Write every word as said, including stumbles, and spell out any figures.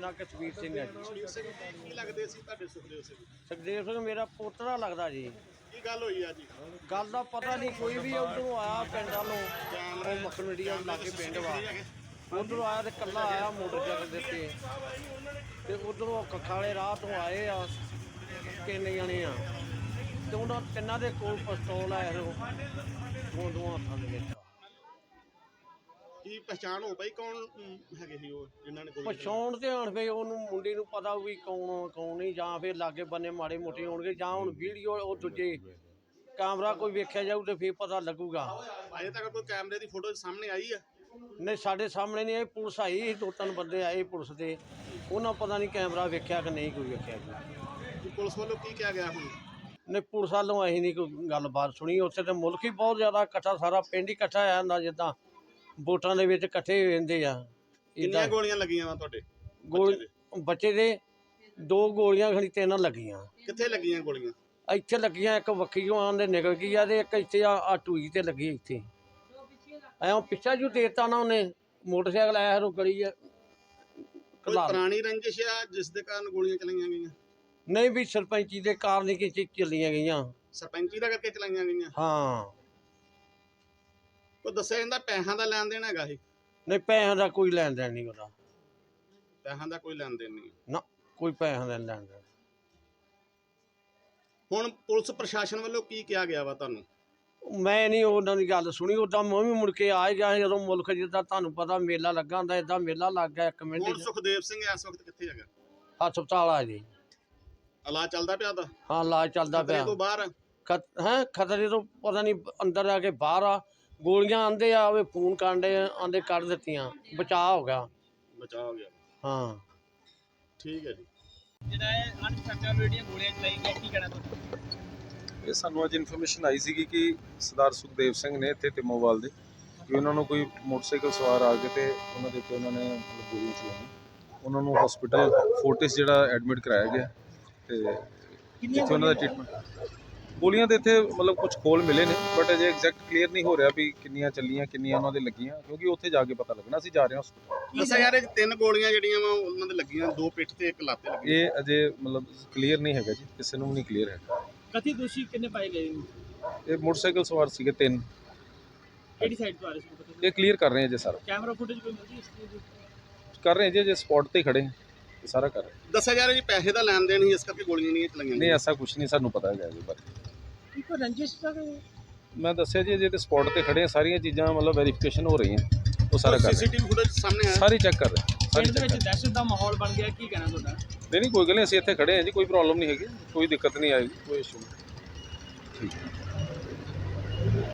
ਨਾਂ ਕਸ਼ਮੀਰ ਸਿੰਘ ਹੈ ਜੀ। ਸੁਖਦੇਵ ਸਿੰਘ ਕੀ ਲੱਗਦੇ ਸੀ ਤੁਹਾਡੇ ਸੁਖਦੇਵ ਸਿੰਘ? ਸੁਖਦੇਵ ਸਿੰਘ ਮੇਰਾ ਪੋਤਰਾ ਲੱਗਦਾ ਜੀ। ਕੀ ਗੱਲ ਹੋਈ ਆ ਜੀ? ਗੱਲ ਦਾ ਪਤਾ ਨਹੀਂ, ਕੋਈ ਵੀ ਉਧਰੋਂ ਆਇਆ ਪਿੰਡ ਵੱਲੋਂ, ਉਹ ਮੱਖਣਵੀਡੀਆ ਲਾਗੇ ਪਿੰਡ ਵਾ, ਉਧਰੋਂ ਆਇਆ ਤੇ ਕੱਲਾ ਆਇਆ ਮੋਟਰਸਾਈਕਲ ਦੇ ਉੱਤੇ, ਤੇ ਉਧਰੋਂ ਕੱਖਾਂ ਵਾਲੇ ਰਾਹ ਤੋਂ ਆਏ ਆ ਤਿੰਨ ਜਣੇ ਆ, ਤੇ ਉਹਨਾਂ ਤਿੰਨਾਂ ਦੇ ਕੋਲ ਪਿਸਤੌਲ ਆ ਇਹੋ ਦੋ ਦੋ ਹੱਥਾਂ ਦੇ ਵਿੱਚ। ਕੀ ਪਛਾਣ ਹੋ ਪਈ ਕੌਣ ਅਮ, ਹੈਗੇ ਸੀ ਉਹ ਜਿਨ੍ਹਾਂ ਨੇ ਗੋਲੀ ਚਲਾਈ? ਪਛਾਣ ਤੇ ਹਣ ਫੇ ਉਹਨੂੰ ਮੁੰਡੇ ਨੂੰ ਪਤਾ ਵੀ ਕੌਣ ਕੌਣ ਨਹੀਂ, ਜਾਂ ਫਿਰ ਲਾਗੇ ਬੰਨੇ ਮਾੜੇ ਮੋਟੇ ਹੋਣਗੇ, ਜਾਂ ਹੁਣ ਵੀਡੀਓ ਉਹ ਦੂਜੇ ਕੈਮਰਾ ਕੋਈ ਵੇਖਿਆ ਜਾਊ ਤੇ ਫਿਰ ਪਤਾ ਲੱਗੂਗਾ। ਅਜੇ ਤੱਕ ਕੋਈ ਕੈਮਰੇ ਦੀ ਫੋਟੋ ਸਾਹਮਣੇ ਆਈ ਆ? ਨਹੀਂ, ਸਾਡੇ ਸਾਹਮਣੇ ਨਹੀਂ ਆਈ। ਪੁਲਿਸ ਆਈ ਸੀ, ਦੋ ਤਿੰਨ ਬੰਦੇ ਆਏ ਪੁਲਿਸ ਦੇ, ਉਹਨਾਂ ਪਤਾ ਨਹੀਂ ਕੈਮਰਾ ਵੇਖਿਆ ਕਿ ਨਹੀਂ ਕੋਈ ਵੇਖਿਆ ਜੀ। ਕਿ ਪੁਲਿਸ ਵੱਲੋਂ ਕੀ ਕਿਹਾ ਗਿਆ ਹੁਣ? ਨਹੀਂ, ਪੁਲਿਸ ਵੱਲੋਂ ਅਸੀਂ ਨਹੀਂ ਕੋਈ ਗੱਲਬਾਤ ਸੁਣੀ। ਉੱਥੇ ਤੇ ਮੁਲਕ ਹੀ ਬਹੁਤ ਜ਼ਿਆਦਾ ਇਕੱਠਾ, ਸਾਰਾ ਪਿੰਡ ਹੀ ਇਕੱਠਾ ਆ ਜਾਂਦਾ, ਜਿੱਦਾਂ ਵੋਟਾਂ ਦੇ ਵਿੱਚ ਇਕੱਠੇ ਹੋ ਜਾਂਦੇ ਆ। ਕਿੰਨੀਆਂ ਗੋਲੀਆਂ ਲੱਗੀਆਂ ਵਾ ਤੁਹਾਡੇ ਗੋਲ ਬੱਚੇ ਦੇ ਦੋ ਗੋਲੀਆਂ ਖਣੀ ਤਿੰਨ ਲੱਗੀਆਂ। ਕਿੱਥੇ ਲੱਗੀਆਂ ਗੋਲੀਆਂ? ਇੱਥੇ ਲੱਗੀਆਂ, ਇੱਕ ਵੱਖੀਓਂ ਆਂਦੇ ਨਿਕਲ ਗਈ ਆ, ਤੇ ਇੱਕ ਇੱਥੇ ਆ ਆ ਟੂਈ ਤੇ ਲੱਗੀ ਇੱਥੇ। ਐਂ ਪਿੱਛਾ ਜੂ ਦੇਤਾ ਨਾ ਉਹਨੇ, ਮੋਟਰਸਾਈਕਲ ਆਇਆ ਰੋ ਗਲੀ ਆ। ਕੋਈ ਪੁਰਾਣੀ ਰੰਜਿਸ਼ ਆ ਜਿਸ ਦੇ ਕਾਰਨ ਗੋਲੀਆਂ ਚਲਾਈਆਂ ਗਈਆਂ? ਨਹੀਂ ਵੀ ਸਰਪੰਚੀ ਦੇ ਕਾਰਨ ਹੀ ਕਿ ਚੱਲੀਆਂ ਗਈਆਂ। ਸਰਪੰਚੀ ਦਾ ਕਰਕੇ ਚਲਾਈਆਂ ਗਈਆਂ? ਹਾਂ। ਉਹ ਦੱਸਿਆ ਜਾਂਦਾ ਪੈਸਿਆਂ ਦਾ ਲੈਣ ਦੇਣ ਹੈਗਾ ਸੀ? ਨਹੀਂ, ਪੈਸਿਆਂ ਦਾ ਕੋਈ ਲੈਣ ਦੇਣ ਨਹੀਂ ਉਹਦਾ। ਪੈਸਿਆਂ ਦਾ ਕੋਈ ਲੈਣ ਦੇਣ ਨਹੀਂ? ਨਾ, ਕੋਈ ਪੈਸਿਆਂ ਦਾ ਲੈਣ ਦੇਣ। ਹੁਣ ਪੁਲਿਸ ਪ੍ਰਸ਼ਾਸਨ ਵੱਲੋਂ ਕੀ ਕਿਹਾ ਗਿਆ ਵਾ ਤੁਹਾਨੂੰ? ਮੈਂ ਨਹੀਂ ਉਹਨਾਂ ਦੀ ਗੱਲ ਸੁਣੀ। ਉੱਦਾਂ ਮੈਂ ਵੀ ਮੁੜ ਕੇ ਆ ਗਿਆ ਜਦੋਂ ਮੁਲਕ ਜਿੱਦਾਂ ਤੁਹਾਨੂੰ ਪਤਾ ਮੇਲਾ ਲੱਗਾ ਹੁੰਦਾ, ਏਦਾਂ ਮੇਲਾ ਲੱਗ ਗਿਆ ਇੱਕ ਮਿੰਟ ਹੁਣ ਚ। ਸੁਖਦੇਵ ਸਿੰਘ ਇਸ ਵਕਤ ਕਿੱਥੇ ਹੈਗਾ? ਹਸਪਤਾਲ ਆ ਜੀ। ਇਲਾਜ ਚੱਲਦਾ ਪਿਆ ਦਾ? ਹਾਂ, ਇਲਾਜ ਚੱਲਦਾ ਖਤਰੇ ਪਿਆ। ਤੋਂ ਬਾਹਰ? ਹੈ ਖਤਰੇ ਤੋਂ ਪਤਾ ਨਹੀਂ, ਅੰਦਰ ਆ ਕੇ ਬਾਹਰ ਆ। ਗੋਲੀਆਂ ਆਂਦੇ ਆ, ਉਹ ਫੋਨ ਕਾਂਡੇ ਆਂਦੇ ਕੱਢ ਦਿੱਤੀਆਂ, ਬਚਾਅ ਹੋ ਗਿਆ। ਬਚਾਅ ਹੋ ਗਿਆ? ਹਾਂ, ਠੀਕ ਹੈ ਜੀ। ਜਿਹੜਾ ਇਹ ਅਣਪਛਾਤੇ ਜਿਹੜੀਆਂ ਗੋਲੀਆਂ ਚਲਾਈ ਗਈਆਂ, ਕੀ ਕਹਿਣਾ ਤੁਹਾਡਾ? ਇਹ ਸਾਨੂੰ ਅੱਜ ਇਨਫੋਰਮੇਸ਼ਨ ਆਈ ਸੀਗੀ ਕਿ ਸਰਦਾਰ ਸੁਖਦੇਵ ਸਿੰਘ ਨੇ ਇੱਥੇ ਟਿਮੋਵਾਲ ਦੇ, ਕਿ ਉਹਨਾਂ ਨੂੰ ਕੋਈ ਮੋਟਰਸਾਈਕਲ ਸਵਾਰ ਆ ਕੇ ਤੇ ਉਹਨਾਂ ਦੇ ਉੱਤੇ ਉਹਨਾਂ ਨੇ ਮਤਲਬ ਗੋਲੀ ਚਲਾਈ। ਉਹਨਾਂ ਨੂੰ ਹਸਪੀਟਲ ਫੋਰਟਿਸ ਜਿਹੜਾ ਐਡਮਿਟ ਕਰਾਇਆ ਗਿਆ, ਤੇ ਜਿੱਥੇ ਉਹਨਾਂ ਦਾ ਟ੍ਰੀਟਮੈਂਟ। ਗੋਲੀਆਂ ਦੇ ਇੱਥੇ ਮਤਲਬ ਕੁਝ ਖੋਲ ਮਿਲੇ ਨੇ, ਬਟ ਅਜੇ ਐਗਜ਼ੈਕਟ ਕਲੀਅਰ ਨਹੀਂ ਹੋ ਰਿਹਾ ਵੀ ਕਿੰਨੀਆਂ ਚੱਲੀਆਂ, ਕਿੰਨੀਆਂ ਉਹਨਾਂ ਦੇ ਲੱਗੀਆਂ, ਕਿਉਂਕਿ ਉੱਥੇ ਜਾ ਕੇ ਪਤਾ ਲੱਗਣਾ। ਅਸੀਂ ਜਾ ਰਹੇ ਹਾਂ ਹਸਪੀਟਲ। ਦੱਸਿਆ ਯਾਰ ਇਹ ਤਿੰਨ ਗੋਲੀਆਂ ਜਿਹੜੀਆਂ ਵਾ ਉਹਨਾਂ ਦੇ ਲੱਗੀਆਂ, ਦੋ ਪਿੱਠ ਤੇ ਇੱਕ ਲੱਤ ਤੇ ਲੱਗੀ। ਇਹ ਅਜੇ ਮਤਲਬ ਕਲੀਅਰ ਨਹੀਂ ਹੈਗਾ ਜੀ, ਕਿਸੇ ਨੂੰ ਵੀ ਨਹੀਂ ਕਲੀਅਰ ਹੈਗਾ। ਕਥਿਤ ਦੋਸ਼ੀ ਕਿੰਨੇ ਪਾਏ ਗਏ ਨੇ? ਇਹ ਮੋਟਰਸਾਈਕਲ ਸਵਾਰ ਸੀਗੇ ਤਿੰਨ। ਕਿਹੜੀ ਸਾਈਡ ਤੋਂ ਆ ਰਹੇ ਸੀ? ਇਹ ਕਲੀਅਰ ਕਰ ਰਹੇ ਹਾਂ ਜੀ ਸਾਰਾ। ਕੈਮਰਾ ਫੁਟੇਜ ਕੋਈ ਮਿਲਦੀ ਇਸ ਚੀਜ਼ ਦੀ? ਕਰ ਰਹੇ ਹਾਂ ਜੀ, ਜੇ ਸਪੌਟ ਤੇ ਖੜੇ ਹਾਂ, ਇਹ ਸਾਰਾ ਕਰ ਰਹੇ ਹਾਂ। ਦੱਸਿਆ ਯਾਰ ਜੀ ਪੈਸੇ ਦਾ ਲੈਣ ਦੇਣ ਹੀ ਇਸ ਕਰਕੇ ਗੋਲੀਆਂ ਨਹੀਂ ਚਲਾਈਆਂ? ਨਹੀਂ, ਐਸਾ ਕੁਝ ਨਹੀਂ ਸਾਨੂੰ ਪਤਾ ਹੈਗਾ ਜੀ ਬਾਰੇ। ਕੋਈ ਰੰਜਿਸ਼ ਦਾ? ਮੈਂ ਦੱਸਿਆ ਜੀ, ਜੇ ਤੇ ਸਪੌਟ ਤੇ ਖੜੇ ਆ, ਸਾਰੀਆਂ ਚੀਜ਼ਾਂ ਮਤਲਬ ਵੈਰੀਫਿਕੇਸ਼ਨ ਹੋ ਰਹੀਆਂ, ਉਹ ਸਾਰਾ ਕਰ ਰਹੇ ਸੀਸੀਟੀਵੀ ਫੁਟੇਜ ਸਾਹਮਣੇ ਆਇਆ? ਸਾਰੀ ਚੈੱਕ ਕਰ ਰਹੇ ਸਾਰੀ ਪਿੰਡ ਦੇ ਚੈੱਕ ਵਿੱਚ ਦਹਿਸ਼ਤ ਦਾ ਮਾਹੌਲ ਬਣ ਗਿਆ, ਕੀ ਕਹਿਣਾ ਤੁਹਾਡਾ? ਨਹੀਂ ਨਹੀਂ ਕੋਈ ਗੱਲ ਨਹੀਂ, ਅਸੀਂ ਇੱਥੇ ਖੜੇ ਹਾਂ ਜੀ, ਕੋਈ ਪ੍ਰੋਬਲਮ ਨਹੀਂ ਹੈਗੀ, ਕੋਈ ਦਿੱਕਤ ਨਹੀਂ ਆਏਗੀ, ਕੋਈ ਇਸ਼ੂ ਨਹੀਂ। ਠੀਕ ਹੈ।